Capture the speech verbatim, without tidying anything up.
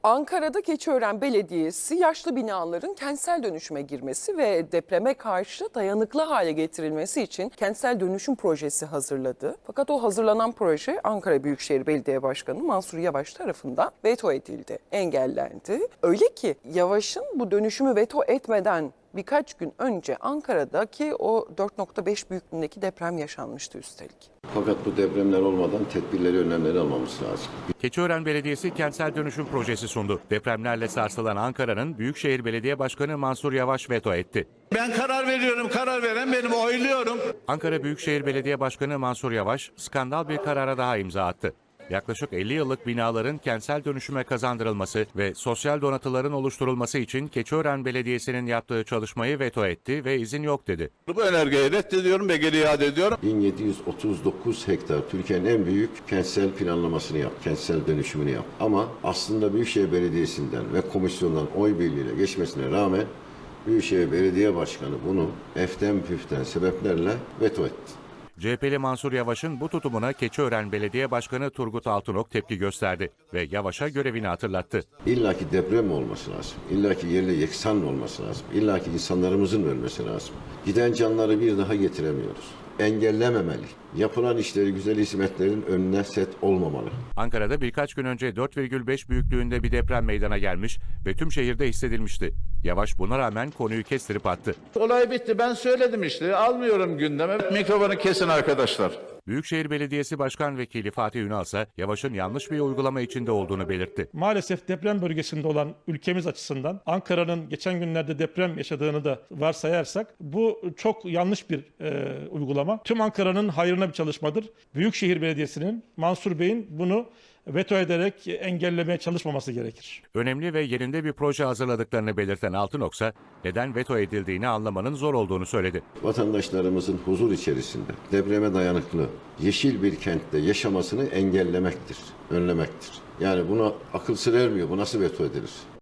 Ankara'da Keçiören Belediyesi yaşlı binaların kentsel dönüşüme girmesi ve depreme karşı dayanıklı hale getirilmesi için kentsel dönüşüm projesi hazırladı. Fakat o hazırlanan proje Ankara Büyükşehir Belediye Başkanı Mansur Yavaş tarafından veto edildi, engellendi. Öyle ki Yavaş'ın bu dönüşümü veto etmeden birkaç gün önce Ankara'daki o dört nokta beş büyüklüğündeki deprem yaşanmıştı üstelik. Fakat bu depremler olmadan tedbirleri, önlemleri almamız lazım. Keçiören Belediyesi kentsel dönüşüm projesi sundu. Depremlerle sarsılan Ankara'nın Büyükşehir Belediye Başkanı Mansur Yavaş veto etti. Ben karar veriyorum, karar veren benim, oyluyorum. Ankara Büyükşehir Belediye Başkanı Mansur Yavaş skandal bir karara daha imza attı. Yaklaşık elli yıllık binaların kentsel dönüşüme kazandırılması ve sosyal donatıların oluşturulması için Keçiören Belediyesi'nin yaptığı çalışmayı veto etti ve izin yok dedi. Bu önergeyi reddediyorum ve geri iade ediyorum. bin yedi yüz otuz dokuz hektar Türkiye'nin en büyük kentsel planlamasını yap, kentsel dönüşümünü yap. Ama aslında Büyükşehir Belediyesi'nden ve komisyondan oy birliğiyle geçmesine rağmen Büyükşehir Belediye Başkanı bunu eften püften sebeplerle veto etti. C H P'li Mansur Yavaş'ın bu tutumuna Keçiören Belediye Başkanı Turgut Altınok tepki gösterdi ve Yavaş'a görevini hatırlattı. İlla ki deprem mi olması lazım? İlla ki yerle yeksan mı olması lazım? İlla ki insanlarımızın ölmesi lazım. Giden canları bir daha getiremiyoruz. Engellememeli. Yapılan işleri, güzel hizmetlerin önüne set olmamalı. Ankara'da birkaç gün önce dört virgül beş büyüklüğünde bir deprem meydana gelmiş ve tüm şehirde hissedilmişti. Yavaş buna rağmen konuyu kestirip attı. Olay bitti, ben söyledim işte, almıyorum gündeme. Mikrofonu kesin arkadaşlar. Büyükşehir Belediyesi Başkan Vekili Fatih Ünal ise Yavaş'ın yanlış bir uygulama içinde olduğunu belirtti. Maalesef deprem bölgesinde olan ülkemiz açısından Ankara'nın geçen günlerde deprem yaşadığını da varsayarsak bu çok yanlış bir e, uygulama. Tüm Ankara'nın hayrına bir çalışmadır. Büyükşehir Belediyesi'nin, Mansur Bey'in bunu veto ederek engellemeye çalışmaması gerekir. Önemli ve yerinde bir proje hazırladıklarını belirten Altınok ise neden veto edildiğini anlamanın zor olduğunu söyledi. Vatandaşlarımızın huzur içerisinde depreme dayanıklı yeşil bir kentte yaşamasını engellemektir, önlemektir. Yani buna akıl sır ermiyor. Bu nasıl veto edilir?